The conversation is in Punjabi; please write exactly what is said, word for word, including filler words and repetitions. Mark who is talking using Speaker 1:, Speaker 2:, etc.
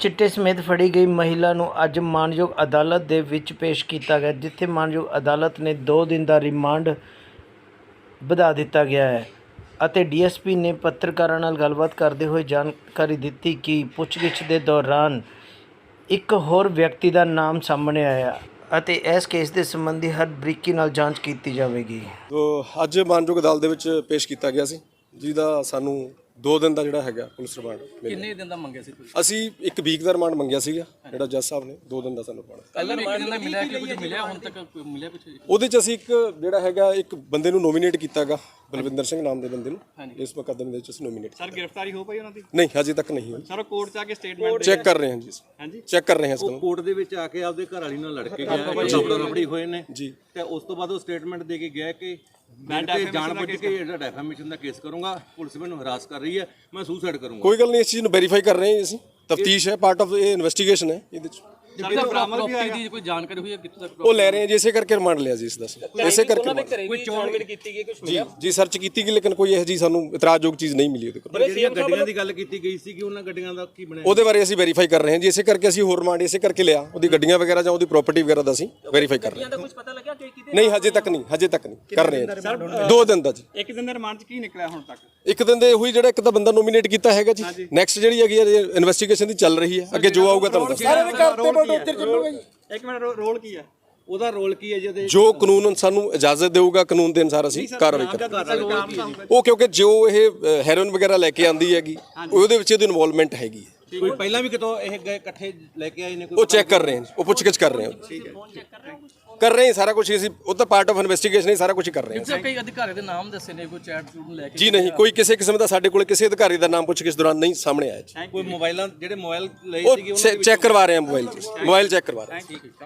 Speaker 1: चिट्टे समेत फड़ी गई महिला ਨੂੰ ਅੱਜ ਮਾਣਯੋਗ ਅਦਾਲਤ ਦੇ ਵਿੱਚ ਪੇਸ਼ ਕੀਤਾ ਗਿਆ, ਜਿੱਥੇ ਮਾਣਯੋਗ ਅਦਾਲਤ ਨੇ ਦੋ ਦਿਨ ਦਾ ਰਿਮਾਂਡ ਵਧਾ ਦਿੱਤਾ ਗਿਆ ਹੈ ਅਤੇ ਡੀਐਸਪੀ ਨੇ ਪੱਤਰਕਾਰਾਂ ਨਾਲ ਗੱਲਬਾਤ ਕਰਦੇ ਹੋਏ ਜਾਣਕਾਰੀ ਦਿੱਤੀ ਕਿ ਪੁੱਛਗਿੱਛ ਦੇ ਦੌਰਾਨ ਇੱਕ ਹੋਰ ਵਿਅਕਤੀ ਦਾ ਨਾਮ ਸਾਹਮਣੇ ਆਇਆ ਅਤੇ ਇਸ ਕੇਸ ਦੇ ਸੰਬੰਧੀ ਹਰ ਬਰੀਕੀ ਨਾਲ ਜਾਂਚ ਕੀਤੀ ਜਾਵੇਗੀ।
Speaker 2: ਤੋ ਅੱਜ ਮਾਨਯੋਗ ਅਦਾਲਤ ਦੇ ਵਿੱਚ ਪੇਸ਼ ਕੀਤਾ ਗਿਆ ਸੀ, ਜਿਹਦਾ ਸਾਨੂੰ ਦੋ ਦਿਨ ਦਾ ਜਿਹੜਾ ਹੈਗਾ ਪੁਲਿਸ ਰਿਮਾਂਡ।
Speaker 3: ਕਿੰਨੇ ਦਿਨ ਦਾ ਮੰਗਿਆ ਸੀ ਤੁਸੀਂ?
Speaker 2: ਅਸੀਂ ਇੱਕ ਵੀਕ ਦਾ ਰਿਮਾਂਡ ਮੰਗਿਆ ਸੀਗਾ, ਜਿਹੜਾ ਜੱਜ ਸਾਹਿਬ ਨੇ ਦੋ ਦਿਨ ਦਾ ਸਾਨੂੰ ਪਾਣਾ।
Speaker 3: ਪਹਿਲਾਂ ਇੱਕ ਦਿਨ ਦਾ ਮਿਲਿਆ ਕਿ ਕੁਝ ਮਿਲਿਆ ਹੁਣ ਤੱਕ ਕੋਈ ਮਿਲਿਆ ਕੁਝ?
Speaker 2: ਉਹਦੇ ਚ ਅਸੀਂ ਇੱਕ ਜਿਹੜਾ ਹੈਗਾ ਇੱਕ ਬੰਦੇ ਨੂੰ ਨੋਮੀਨੇਟ ਕੀਤਾਗਾ, ਬਲਵਿੰਦਰ ਸਿੰਘ ਨਾਮ ਦੇ ਬੰਦੇ ਨੂੰ ਇਸ ਮੁਕੱਦਮੇ ਦੇ ਵਿੱਚ ਅਸੀਂ ਨੋਮੀਨੇਟ।
Speaker 4: ਸਰ ਗ੍ਰਿਫਤਾਰੀ ਹੋ ਪਈ ਉਹਨਾਂ ਦੀ?
Speaker 2: ਨਹੀਂ, ਹਜੇ ਤੱਕ ਨਹੀਂ ਹੋਈ
Speaker 4: ਸਰ ਕੋਰਟ ਚ ਆ ਕੇ ਸਟੇਟਮੈਂਟ
Speaker 2: ਚੈੱਕ ਕਰ ਰਹੇ ਹਾਂ ਜੀ।
Speaker 4: ਹਾਂਜੀ
Speaker 2: ਚੈੱਕ ਕਰ ਰਹੇ ਹਾਂ ਇਸ ਨੂੰ।
Speaker 5: ਕੋਰਟ ਦੇ ਵਿੱਚ ਆ ਕੇ ਆਪਦੇ ਘਰ ਵਾਲੀ ਨਾਲ ਲੜ ਕੇ ਗਿਆ, ਲੜੋ ਲੜੜੀ ਹੋਏ ਨੇ
Speaker 2: ਜੀ,
Speaker 5: ਤੇ ਉਸ ਤੋਂ ਬਾਅਦ ਉਹ ਸਟੇਟਮੈਂਟ ਦੇ ਕੇ ਗਿਆ ਕਿ ਮੈਂ ਤੇ ਜਾਣ ਬੁੱਝ ਕੇ ਜਿਹੜਾ ਡੈਫਾਮੇਸ਼ਨ ਦਾ ਕੇਸ ਕਰੂੰਗਾ, ਪੁਲਿਸ ਮੈਨੂੰ ਹਰਾਸ ਕਰ ਰਹੀ ਹੈ, ਮੈਂ ਸੁਸਾਈਡ ਕਰੂੰਗਾ।
Speaker 2: ਕੋਈ ਗੱਲ ਨਹੀਂ, ਇਸ ਚੀਜ਼ ਨੂੰ ਵੈਰੀਫਾਈ ਕਰ ਰਹੇ ਹਾਂ ਅਸੀਂ। ਤਫਤੀਸ਼ ਹੈ, ਪਾਰਟ ਆਫ ਇਹ ਇਨਵੈਸਟੀਗੇਸ਼ਨ ਹੈ। ਇਹਦੇ ਚ
Speaker 3: ਪ੍ਰਾਪਰਟੀ ਦੀ ਕੋਈ ਜਾਣਕਾਰੀ ਹੋਈ ਹੈ ਕਿੱਥੋਂ ਤੱਕ?
Speaker 2: ਉਹ ਲੈ ਰਹੇ ਹਾਂ ਜੀ, ਇਸੇ ਕਰਕੇ ਰਿਮਾਂਡ ਲਿਆ ਜੀ ਇਸ ਦਾ। ਇਸੇ ਕਰਕੇ
Speaker 3: ਕੋਈ ਚੋਣਵੀਰ ਕੀਤੀ ਗਈ ਕੁਝ
Speaker 2: ਜੀ ਜੀ ਸਰਚ ਕੀਤੀ ਗਈ, ਲੇਕਿਨ ਕੋਈ ਇਹੋ ਜਿਹੀ ਸਾਨੂੰ ਇਤਰਾਜ਼ਯੋਗ ਚੀਜ਼ ਨਹੀਂ ਮਿਲੀ ਉਹਦੇ ਕੋਲ।
Speaker 5: ਜਿਹੜੀਆਂ ਗੱਡੀਆਂ ਦੀ ਗੱਲ ਕੀਤੀ ਗਈ ਸੀ ਕਿ ਉਹਨਾਂ ਗੱਡੀਆਂ ਦਾ ਕੀ ਬਣਿਆ,
Speaker 2: ਉਹਦੇ ਬਾਰੇ ਅਸੀਂ ਵੈਰੀਫਾਈ ਕਰ ਰਹੇ ਹਾਂ ਜੀ। ਇਸੇ ਕਰਕੇ ਅਸੀਂ ਹੋਰ ਰਿਮਾਂਡ ਇਸੇ ਕਰਕੇ ਲਿਆ, ਉਹਦੀ ਗੱਡੀਆਂ ਵਗੈਰਾ ਜਾਂ ਉਹਦੀ ਪ੍ਰਾਪਰਟੀ ਵਗੈਰਾ ਦਾ ਅਸੀਂ ਵੈਰੀਫਾਈ ਕਰ ਰਹੇ ਹਾਂ।
Speaker 3: ਕੁਝ ਪਤਾ ਲੱਗਿਆ ਕਿ ਕਿਤੇ?
Speaker 2: ਨਹੀਂ, ਹਜੇ ਤੱਕ ਨਹੀਂ, ਹਜੇ ਤੱਕ ਨਹੀਂ ਕਰ ਰਹੇ ਹਾਂ। ਦੋ ਦਿਨ ਦਾ ਜੀ।
Speaker 4: ਇੱਕ ਦਿਨ ਦੇ ਰਿਮਾਂਡ ਚ ਕੀ ਨਿਕਲਿਆ ਹੁਣ ਤੱਕ?
Speaker 2: ਇੱਕ ਦਿਨ ਦੇ ਹੋਈ ਜਿਹੜਾ ਇੱਕ ਤਾਂ ਬੰਦਾ ਨੋਮੀਨੇਟ ਕੀਤਾ ਹੈਗਾ ਜੀ। ਨੈਕਸਟ ਜਿਹੜੀ ਹੈਗੀ ਇਨਵੈਸਟੀਗੇਸ਼ਨ ਦੀ ਚੱਲ ਰਹੀ ਹੈ, ਅੱਗੇ ਜੋ ਆਊਗਾ ਤੁਹਾਨੂੰ ਦੱਸਾਂਗੇ।
Speaker 4: ਇੱਕ ਮਿੰਟ ਰੋਲ ਕੀ ਹੈ
Speaker 5: ਉਹਦਾ ਰੋਲ ਕੀ ਹੈ ਜਿਹਦੇ
Speaker 2: ਜੋ ਕਾਨੂੰਨ ਸਾਨੂੰ ਇਜਾਜ਼ਤ ਦੇਊਗਾ, ਕਾਨੂੰਨ ਦੇ ਅਨੁਸਾਰ ਅਸੀਂ ਕਾਰਵਾਈ ਕਰਾਂਗੇ। ਉਹ ਕਿਉਂਕਿ ਜੋ ਇਹ ਹੈਰੋਇਨ ਵਗੈਰਾ ਲੈ ਕੇ ਆਂਦੀ ਹੈਗੀ, ਉਹਦੇ ਵਿੱਚ ਇਹਦੀ ਇਨਵੋਲਵਮੈਂਟ ਹੈਗੀ ਹੈ।
Speaker 5: ਕੋਈ ਪਹਿਲਾਂ ਵੀ ਕਿਤੋਂ ਇਹ ਗਏ ਇਕੱਠੇ ਲੈ ਕੇ ਆਏ ਨੇ? ਕੋਈ
Speaker 2: ਉਹ ਚੈੱਕ ਕਰ ਰਹੇ ਹਾਂ, ਉਹ ਪੁੱਛਗਿੱਛ ਕਰ ਰਹੇ ਹਾਂ, ਕਰ ਰਹੇ ਹਾਂ ਸਾਰਾ ਕੁਝ ਅਸੀਂ। ਉਹ ਤਾਂ ਪਾਰਟ ਆਫ ਇਨਵੈਸਟੀਗੇਸ਼ਨ ਹੀ ਸਾਰਾ ਕੁਝ ਕਰ ਰਹੇ ਹਾਂ।
Speaker 3: ਕਈ ਅਧਿਕਾਰੀ ਦੇ ਨਾਮ ਦੱਸੇ ਨੇ, ਕੋਈ ਚੈਟ ਚੂਟ ਲੈ ਕੇ?
Speaker 2: ਜੀ ਨਹੀਂ, ਕੋਈ ਕਿਸੇ ਕਿਸਮ ਦਾ ਸਾਡੇ ਕੋਲ ਕਿਸੇ ਅਧਿਕਾਰੀ ਦਾ ਨਾਮ ਪੁੱਛਗਿੱਛ ਦੌਰਾਨ ਨਹੀਂ ਸਾਹਮਣੇ ਆਇਆ ਜੀ।
Speaker 5: ਕੋਈ ਮੋਬਾਈਲਾਂ ਜਿਹੜੇ ਮੋਬਾਈਲ ਲਏ
Speaker 2: ਉਹ
Speaker 5: ਸੀਗੇ
Speaker 2: ਚੈੱਕ ਕਰਵਾ ਰਹੇ ਹਾਂ, ਮੋਬਾਈਲ ਮੋਬਾਈਲ ਚੈੱਕ ਕਰਵਾ ਰਹੇ ਹਾਂ।